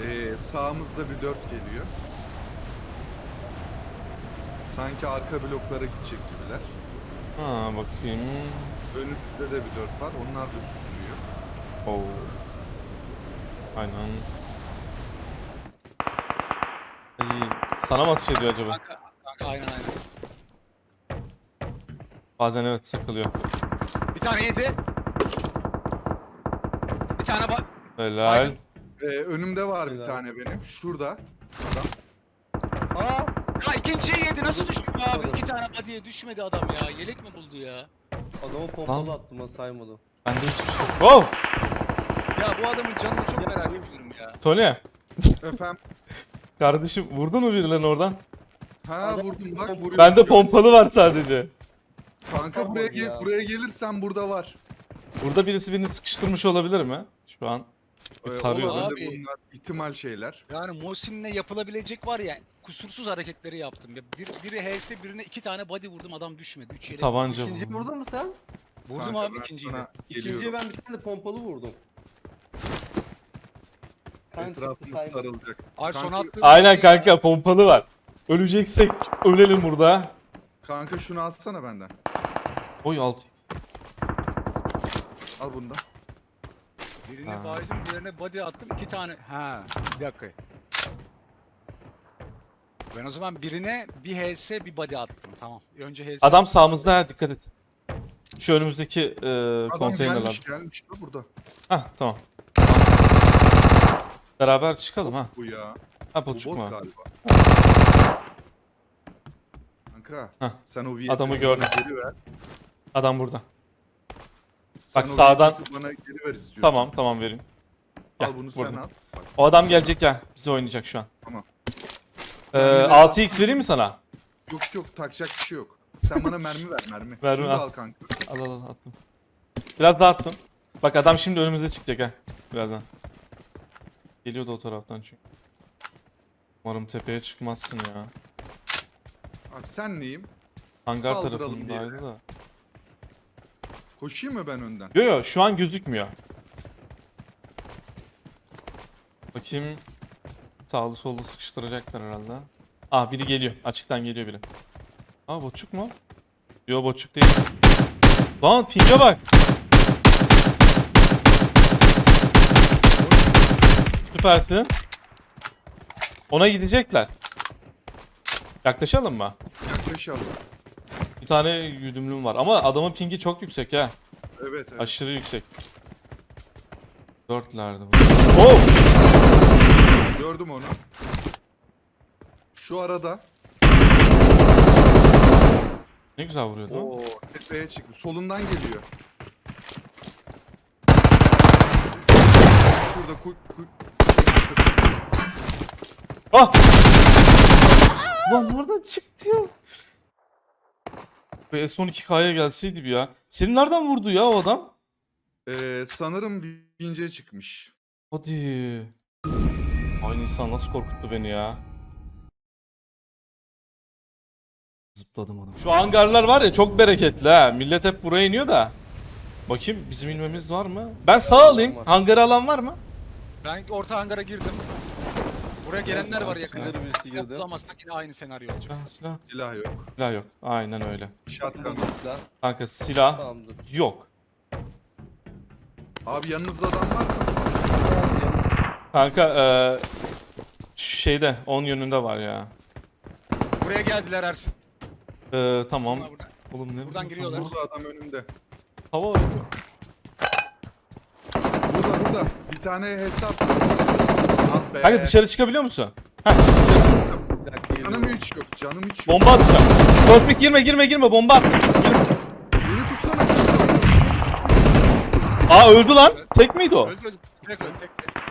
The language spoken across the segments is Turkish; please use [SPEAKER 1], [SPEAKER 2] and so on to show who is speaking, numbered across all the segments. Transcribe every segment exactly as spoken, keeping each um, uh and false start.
[SPEAKER 1] Ee, sağımızda bir dört geliyor. Sanki arka bloklara gidecek gibiler.
[SPEAKER 2] Ha bakayım.
[SPEAKER 1] Önümüzde de bir dört var. Onlar da süzülüyor.
[SPEAKER 2] Oo. Aynen. Ay, sana mı ateş ediyor acaba?
[SPEAKER 3] Kanka, kanka aynen aynen.
[SPEAKER 2] Bazen evet takılıyor.
[SPEAKER 3] Bir tane yedi. Bir tane bak.
[SPEAKER 2] Helal.
[SPEAKER 3] Aynen.
[SPEAKER 1] Ee, önümde var bir
[SPEAKER 4] Helal.
[SPEAKER 1] tane benim. Şurada. Adam.
[SPEAKER 4] Aa!
[SPEAKER 3] Ya ikinciyi yedi nasıl düşmüyor abi? İki tane body'ye düşmedi adam ya. Yelek mi buldu ya?
[SPEAKER 4] Adamı pompalı attım ha, saymadım.
[SPEAKER 2] Bende hiçbir şey yok. Wow!
[SPEAKER 3] Ya bu adamın canını çok merak ediyorum ya.
[SPEAKER 2] Tony.
[SPEAKER 1] Efendim.
[SPEAKER 2] Kardeşim vurdun mu birilerini oradan?
[SPEAKER 1] Ha
[SPEAKER 4] Adam-
[SPEAKER 1] vurdum bak. vuruyor.
[SPEAKER 2] Bende pompalı var sadece.
[SPEAKER 1] Kanka buraya,
[SPEAKER 4] Hasar var
[SPEAKER 1] gel,
[SPEAKER 4] ya.
[SPEAKER 1] buraya gelirsen burada var.
[SPEAKER 2] Burada birisi birini sıkıştırmış olabilir mi? Şu an.
[SPEAKER 1] Ee,
[SPEAKER 2] Tarıyor.
[SPEAKER 1] olabilir
[SPEAKER 3] Abi.
[SPEAKER 1] bunlar ihtimal şeyler.
[SPEAKER 3] Yani Mosin'le yapılabilecek var ya kusursuz hareketleri yaptım. Ya bir, biri H S birine iki tane body vurdum adam düşmedi. Üç yelek.
[SPEAKER 2] Tabanca
[SPEAKER 4] İkinciyi
[SPEAKER 2] vurdum.
[SPEAKER 4] vurdun mu sen?
[SPEAKER 3] Vurdum
[SPEAKER 1] Kanka,
[SPEAKER 3] abi
[SPEAKER 1] ben
[SPEAKER 3] ikinciyi de.
[SPEAKER 1] sana
[SPEAKER 4] İkinciye
[SPEAKER 1] geliyorum.
[SPEAKER 4] ben bir tane de pompalı vurdum. Kan çıktı,
[SPEAKER 1] Etrafımız
[SPEAKER 4] saymadım.
[SPEAKER 1] sarılacak.
[SPEAKER 3] Ay son
[SPEAKER 1] Kanka-
[SPEAKER 3] attığım
[SPEAKER 2] Aynen
[SPEAKER 3] body-
[SPEAKER 2] kanka pompalı var. Öleceksek ölelim burada.
[SPEAKER 1] Kanka şunu alsana benden.
[SPEAKER 2] Oy altı.
[SPEAKER 1] Al bunu da.
[SPEAKER 3] Birine
[SPEAKER 2] Ha.
[SPEAKER 3] baydım diğerine body attım iki tane. Ha bir dakika. Ben o zaman birine bir H S bir body attım tamam. Önce H S.
[SPEAKER 2] Adam sağımızda ha dikkat et. Şu önümüzdeki e,
[SPEAKER 1] Adam
[SPEAKER 2] konteynerler.
[SPEAKER 1] gelmiş gelmiş da burada.
[SPEAKER 2] Hah tamam. Beraber çıkalım ha.
[SPEAKER 1] Bu ya.
[SPEAKER 2] Ha
[SPEAKER 1] Bu
[SPEAKER 2] bu
[SPEAKER 1] bot
[SPEAKER 2] çıkma.
[SPEAKER 1] galiba. Kanka
[SPEAKER 2] Heh,
[SPEAKER 1] sen o V S S'i
[SPEAKER 2] adamı
[SPEAKER 1] bana
[SPEAKER 2] gördüm.
[SPEAKER 1] geri ver.
[SPEAKER 2] Adam burada.
[SPEAKER 1] Sen
[SPEAKER 2] Bak
[SPEAKER 1] o
[SPEAKER 2] sağdan-
[SPEAKER 1] V S S'i bana geri ver istiyorsun.
[SPEAKER 2] Tamam tamam vereyim.
[SPEAKER 1] Al
[SPEAKER 2] Gel,
[SPEAKER 1] bunu sen
[SPEAKER 2] vurdum.
[SPEAKER 1] al. Bak,
[SPEAKER 2] O adam gelecek ya. Bize oynayacak şu an.
[SPEAKER 1] Tamam.
[SPEAKER 2] Ee,
[SPEAKER 1] Ben bir de-
[SPEAKER 2] altı x vereyim mi sana?
[SPEAKER 1] yok yok takacak bir şey yok. Sen bana mermi ver mermi.
[SPEAKER 2] Mermi
[SPEAKER 1] Şunu
[SPEAKER 2] al.
[SPEAKER 1] da al kanka.
[SPEAKER 2] Al al al attım. Biraz daha attım. Bak adam şimdi önümüze çıkacak ha. Birazdan. Geliyordu o taraftan çünkü. Umarım tepeye çıkmazsın ya.
[SPEAKER 1] Abi sen neyim?
[SPEAKER 2] Hangar
[SPEAKER 1] Saldıralım
[SPEAKER 2] tarafındaydı da.
[SPEAKER 1] Koşayım mı ben önden?
[SPEAKER 2] Yo yo şu an gözükmüyor. Bakayım. Sağlı sollu sıkıştıracaklar herhalde. Aa biri geliyor. Açıktan geliyor biri. Aa boçuk mu? Yo boçuk değil. Lan pinge bak. Süpersin. Ona gidecekler. Yaklaşalım mı?
[SPEAKER 1] Yaklaşalım.
[SPEAKER 2] Bir tane güdümlüm var ama adamın pingi çok yüksek ha.
[SPEAKER 1] Evet evet.
[SPEAKER 2] Aşırı yüksek. Dörtlerde bu. Oh!
[SPEAKER 1] Gördüm onu. Şu arada.
[SPEAKER 2] Ne güzel vuruyordu. o.
[SPEAKER 1] Oo tepeye çıktı. Solundan geliyor. Şurada ku, ku,
[SPEAKER 2] Ah! Lan nereden çıktı ya? Be S on iki K'ya gelseydi bir ya. Seni nereden vurdu ya o adam?
[SPEAKER 1] Ee, sanırım bince çıkmış.
[SPEAKER 2] Hadi. Aynı insan nasıl korkuttu beni ya. Zıpladım adam. Şu hangarlar var ya çok bereketli ha. Millet hep buraya iniyor da. Bakayım bizim inmemiz var mı? Ben sağ alayım.
[SPEAKER 4] Var.
[SPEAKER 2] Hangarı alan var mı?
[SPEAKER 3] Ben orta hangara girdim. Buraya gelenler var yakında.
[SPEAKER 4] Sinirli birisi girdi.
[SPEAKER 3] Bulamazsak yine aynı senaryo olacak.
[SPEAKER 2] Silah, silah.
[SPEAKER 1] Silah yok.
[SPEAKER 2] Silah yok. Aynen öyle.
[SPEAKER 1] Shotgun.
[SPEAKER 4] Buldum silah.
[SPEAKER 2] Kanka silah
[SPEAKER 4] Tamamdır.
[SPEAKER 2] yok.
[SPEAKER 1] Abi yanınızda adam var mı?
[SPEAKER 2] Kanka eee şeyde on yönünde var ya.
[SPEAKER 3] Buraya geldiler Ersin.
[SPEAKER 2] Eee tamam.
[SPEAKER 3] Bunlar burada.
[SPEAKER 2] Oğlum ne
[SPEAKER 3] Buradan
[SPEAKER 2] vuruyorsun
[SPEAKER 3] giriyorlar.
[SPEAKER 2] lan?
[SPEAKER 1] Burada adam önümde.
[SPEAKER 2] Hava var.
[SPEAKER 1] Burada burada. Bir tane hesap. Ah be.
[SPEAKER 2] Kanka dışarı çıkabiliyor musun? Heh çık dışarı.
[SPEAKER 4] Bir dakika
[SPEAKER 1] Canım
[SPEAKER 4] geliyorum.
[SPEAKER 1] hiç yok. Canım hiç yok.
[SPEAKER 2] Bomba atacağım. Kozmik girme girme girme bomba at.
[SPEAKER 1] Beni tutsana.
[SPEAKER 2] Aa öldü lan. Tek miydi o?
[SPEAKER 3] Öldü öldü. Tek öldü tek tek.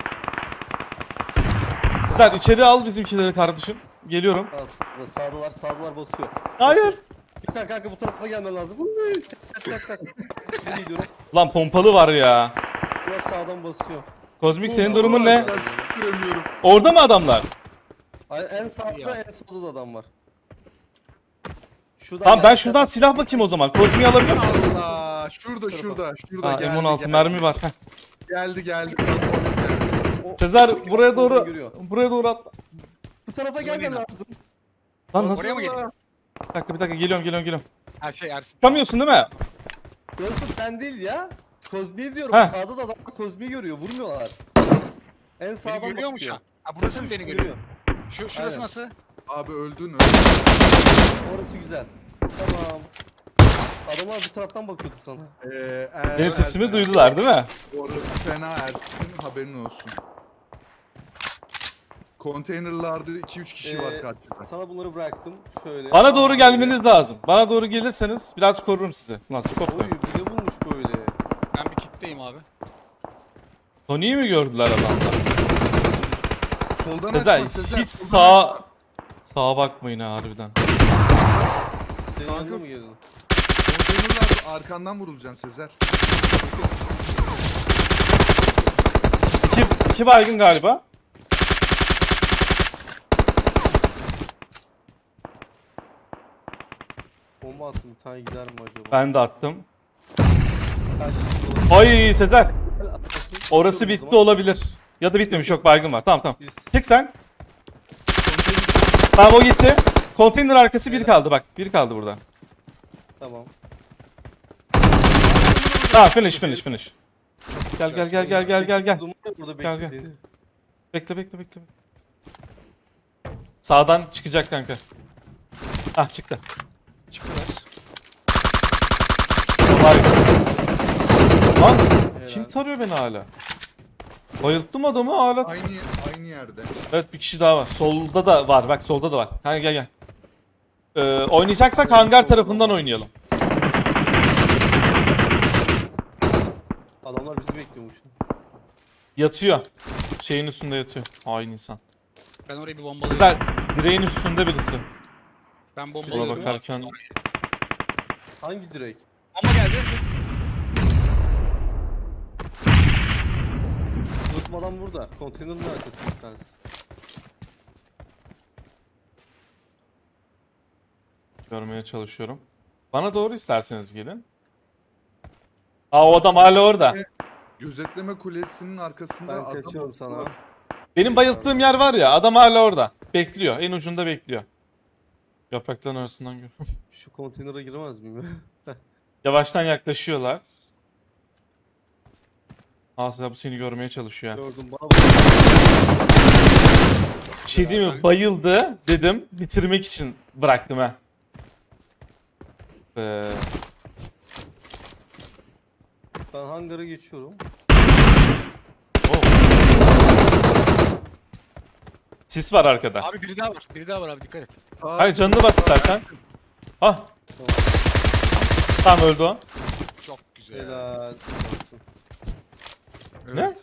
[SPEAKER 2] Güzel içeri al bizimkileri kardeşim. Geliyorum.
[SPEAKER 4] Aa, sağdalar sağdalar basıyor.
[SPEAKER 2] Hayır.
[SPEAKER 4] Gökhan kanka bu tarafa gelmen lazım. Kaç kaç kaç kaç. Şimdi gidiyorum.
[SPEAKER 2] Lan pompalı var ya.
[SPEAKER 4] Bunlar sağdan basıyor.
[SPEAKER 2] Kozmik senin durumun ne?
[SPEAKER 1] Göremiyorum.
[SPEAKER 2] Orada mı adamlar?
[SPEAKER 4] Ay, en sağda
[SPEAKER 3] Ya.
[SPEAKER 4] en solda da adam var. Şuradan
[SPEAKER 2] Tamam ben
[SPEAKER 4] gel-
[SPEAKER 2] şuradan silah bakayım o zaman. Kozmik'i alabiliyor musun?
[SPEAKER 1] Allah. Şurada şurada. Şurada
[SPEAKER 2] Aa
[SPEAKER 1] geldi.
[SPEAKER 2] M on altı
[SPEAKER 1] geldi.
[SPEAKER 2] mermi var. Heh.
[SPEAKER 1] Geldi geldi.
[SPEAKER 4] O-
[SPEAKER 2] Sezer buraya doğru
[SPEAKER 4] Görüyor.
[SPEAKER 2] buraya doğru atla.
[SPEAKER 4] Bu tarafa gelmen lazım.
[SPEAKER 2] Lan nasıl?
[SPEAKER 3] Oraya mı geleyim?
[SPEAKER 2] Bir dakika bir dakika geliyorum geliyorum geliyorum.
[SPEAKER 3] Her şey Ersin.
[SPEAKER 2] Çıkamıyorsun değil mi?
[SPEAKER 4] Dostum sen değil ya. Kozmi'yi diyorum.
[SPEAKER 2] Heh.
[SPEAKER 4] Sağda da adam Kozmi'yi görüyor. Vurmuyorlar. En
[SPEAKER 3] Beni
[SPEAKER 4] sağdan
[SPEAKER 3] görüyor mu şu
[SPEAKER 4] bakıyor.
[SPEAKER 3] an? Ha burası mı beni görüyor? Şu, şurası
[SPEAKER 4] Aynen.
[SPEAKER 3] nasıl?
[SPEAKER 1] Abi öldün öldün.
[SPEAKER 4] Orası güzel. Tamam. Adamlar bu taraftan bakıyordu sana.
[SPEAKER 1] Ee, eğer
[SPEAKER 2] Benim sesimi
[SPEAKER 1] Ersin-
[SPEAKER 2] duydular değil mi?
[SPEAKER 1] Orası fena Ersin'in haberin olsun. Konteynerlarda iki üç kişi var
[SPEAKER 4] Ee,
[SPEAKER 1] karşıda.
[SPEAKER 4] Sana bunları bıraktım. Şöyle.
[SPEAKER 2] Bana doğru gelmeniz lazım. Bana doğru gelirseniz biraz korurum sizi. Lan scope
[SPEAKER 4] Oy
[SPEAKER 2] da.
[SPEAKER 4] bir de bulmuş böyle.
[SPEAKER 3] Ben bir kitleyim abi.
[SPEAKER 2] Tony'yi mi gördüler adamlar?
[SPEAKER 1] Soldan
[SPEAKER 2] Sezer
[SPEAKER 1] açma Sezer.
[SPEAKER 2] hiç
[SPEAKER 1] soldan
[SPEAKER 2] sağa
[SPEAKER 1] açma.
[SPEAKER 2] sağa bakmayın ha harbiden.
[SPEAKER 4] Senin
[SPEAKER 1] Kanka-
[SPEAKER 4] yanına mı geldin?
[SPEAKER 1] Konteynerlarda arkandan vurulacaksın Sezer.
[SPEAKER 2] İki, iki baygın galiba.
[SPEAKER 4] Bomba attım. Bir tane gider mi acaba?
[SPEAKER 2] Ben de attım.
[SPEAKER 4] Kaç kişi olur?
[SPEAKER 2] Ay Sezer.
[SPEAKER 4] Atlasın.
[SPEAKER 2] Orası
[SPEAKER 4] Tutuyorum o
[SPEAKER 2] bitti
[SPEAKER 4] zaman.
[SPEAKER 2] olabilir. Ya da bitmemiş yok baygın var. Tamam tamam.
[SPEAKER 4] Biz-
[SPEAKER 2] Çık sen. Tamam o gitti. Konteyner arkası bir kaldı bak. Bir kaldı burada.
[SPEAKER 4] Tamam.
[SPEAKER 2] Tamam finish finish finish. Gel gel gel gel gel gel gel.
[SPEAKER 4] Duman burada
[SPEAKER 2] Gel, gel.
[SPEAKER 4] beklediğini.
[SPEAKER 2] Bekle bekle bekle. Sağdan çıkacak kanka. Ah çıktı.
[SPEAKER 3] Çıktılar.
[SPEAKER 2] Baygın. Lan
[SPEAKER 4] Helal.
[SPEAKER 2] kim tarıyor beni hala? Bayılttım adamı hala.
[SPEAKER 1] Aynı aynı yerde.
[SPEAKER 2] Evet bir kişi daha var. Solda da var. Bak solda da var. Kanka gel gel. Ee, oynayacaksak hangar tarafından oynayalım.
[SPEAKER 4] Adamlar bizi bekliyormuş.
[SPEAKER 2] Yatıyor. Şeyin üstünde yatıyor. Hain insan.
[SPEAKER 3] Ben orayı bir bombalayayım.
[SPEAKER 2] Güzel. Direğin üstünde birisi.
[SPEAKER 3] Ben
[SPEAKER 2] Ona
[SPEAKER 3] bombalıyorum.
[SPEAKER 2] bakarken
[SPEAKER 4] Hangi direk?
[SPEAKER 3] Bomba geldi.
[SPEAKER 4] Dostum adam burada. Konteynerin arkasında bir tanesi.
[SPEAKER 2] görmeye çalışıyorum. Bana doğru isterseniz gelin. Aa o adam hala orada.
[SPEAKER 1] Gözetleme kulesinin arkasında
[SPEAKER 4] Ben
[SPEAKER 1] adam
[SPEAKER 4] kaçıyorum sana.
[SPEAKER 2] Benim bayılttığım yer var ya adam hala orada. Bekliyor. En ucunda bekliyor. Yaprakların arasından gör.
[SPEAKER 4] Şu konteynere giremez miyim?
[SPEAKER 2] Yavaştan yaklaşıyorlar. Aslında bu seni görmeye çalışıyor. ya.
[SPEAKER 4] Gördüm bana bak.
[SPEAKER 2] Bir şey değil mi? Bayıldı dedim. Bitirmek için bıraktım ha. Ee,
[SPEAKER 4] Ben hangara geçiyorum.
[SPEAKER 2] oh. Sis var arkada.
[SPEAKER 3] Abi biri daha var. Biri daha var abi dikkat et.
[SPEAKER 1] Sağ-
[SPEAKER 2] Hayır canını bas istersen. Ah. Tamam öldü o.
[SPEAKER 3] Çok güzel.
[SPEAKER 4] Helal. olsun.
[SPEAKER 1] Evet.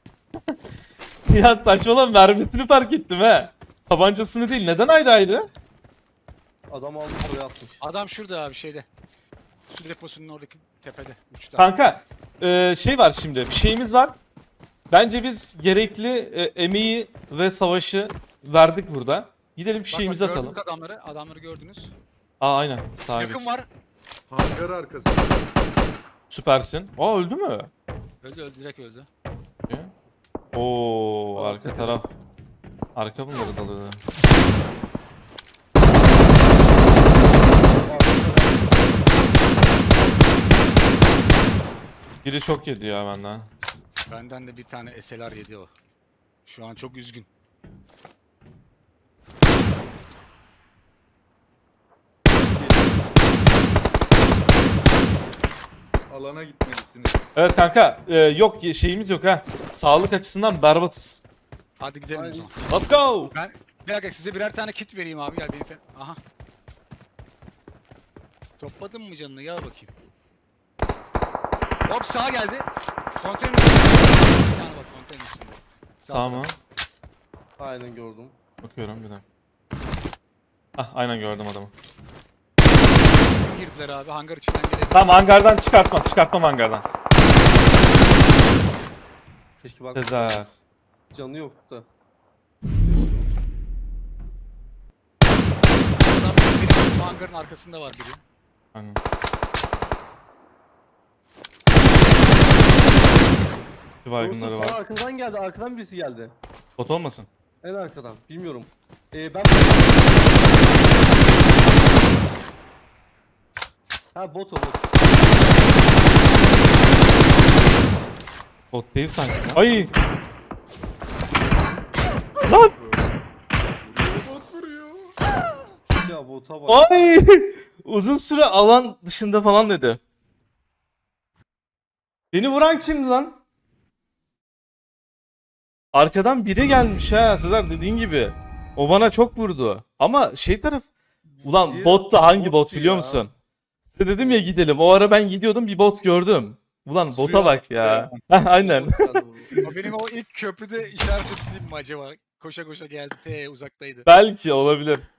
[SPEAKER 2] Ya saçmalama mermisini fark ettim he. Tabancasını değil. Neden ayrı ayrı?
[SPEAKER 4] Adam almış oraya atmış.
[SPEAKER 3] Adam şurada abi şeyde. Su deposunun oradaki tepede. Uçta.
[SPEAKER 2] Kanka e, şey var şimdi. Bir şeyimiz var. Bence biz gerekli e, emeği ve savaşı verdik burada. Gidelim bir
[SPEAKER 3] Bak,
[SPEAKER 2] şeyimizi
[SPEAKER 3] bak,
[SPEAKER 2] atalım.
[SPEAKER 3] gördük adamları. Adamları gördünüz.
[SPEAKER 2] Aa aynen. Sağa
[SPEAKER 3] Yakın
[SPEAKER 2] geç.
[SPEAKER 3] var.
[SPEAKER 1] Hangar arkası.
[SPEAKER 2] Süpersin. Aa öldü mü?
[SPEAKER 3] Öldü öldü direkt öldü.
[SPEAKER 2] Oo arka taraf. Arka bunları dalıyor. Biri çok yedi ya benden.
[SPEAKER 3] Benden de bir tane S L R yedi o. Şu an çok üzgün.
[SPEAKER 1] Alana gitmelisiniz.
[SPEAKER 2] Evet kanka e, yok şeyimiz yok ha. Sağlık açısından berbatız.
[SPEAKER 3] Hadi gidelim o
[SPEAKER 4] Hadi.
[SPEAKER 3] zaman.
[SPEAKER 2] Let's go.
[SPEAKER 3] Ben bir dakika size birer tane kit vereyim abi gel benim. fe- Aha. Topladın mı canını gel bakayım. Hop sağa geldi. Konteyner. Bir tane bak konteyner üstünde.
[SPEAKER 2] Sağ mı?
[SPEAKER 4] Aynen gördüm.
[SPEAKER 2] Bakıyorum bir dakika. Ah aynen gördüm adamı.
[SPEAKER 3] Girdiler abi hangar içinden gelebilir.
[SPEAKER 2] Tamam hangardan çıkartmam. Çıkartmam hangardan.
[SPEAKER 4] Keşke bak
[SPEAKER 2] Sezer.
[SPEAKER 4] canı yok da.
[SPEAKER 3] Adam benim hangarın arkasında var biri.
[SPEAKER 2] Aynen. Bir baygınları
[SPEAKER 4] Dostum, sana
[SPEAKER 2] var.
[SPEAKER 4] arkadan geldi. Arkadan birisi geldi.
[SPEAKER 2] Bot olmasın?
[SPEAKER 4] En arkadan. Bilmiyorum. Ee, ben... Ha bot o bot.
[SPEAKER 2] Bot değil sanki. Ay! Lan!
[SPEAKER 1] Bot vuruyor.
[SPEAKER 4] Ya bota bak.
[SPEAKER 2] Ay! Uzun süre alan dışında falan dedi. Beni vuran kimdi lan? Arkadan biri gelmiş ha Sezer, dediğin gibi. O bana çok vurdu. Ama şey taraf... Ulan
[SPEAKER 4] Diğer
[SPEAKER 2] bot da hangi
[SPEAKER 4] bottu
[SPEAKER 2] bot biliyor
[SPEAKER 4] ya.
[SPEAKER 2] musun? Size dedim ya gidelim. O ara ben gidiyordum, bir bot gördüm. Ulan bota
[SPEAKER 1] Suya
[SPEAKER 2] bak ya. Heh, aynen.
[SPEAKER 4] Bot geldi buraya.
[SPEAKER 3] O benim o ilk köprüde işaret ettiğim mi acaba? Koşa koşa geldi. Te uzaktaydı.
[SPEAKER 2] Belki olabilir.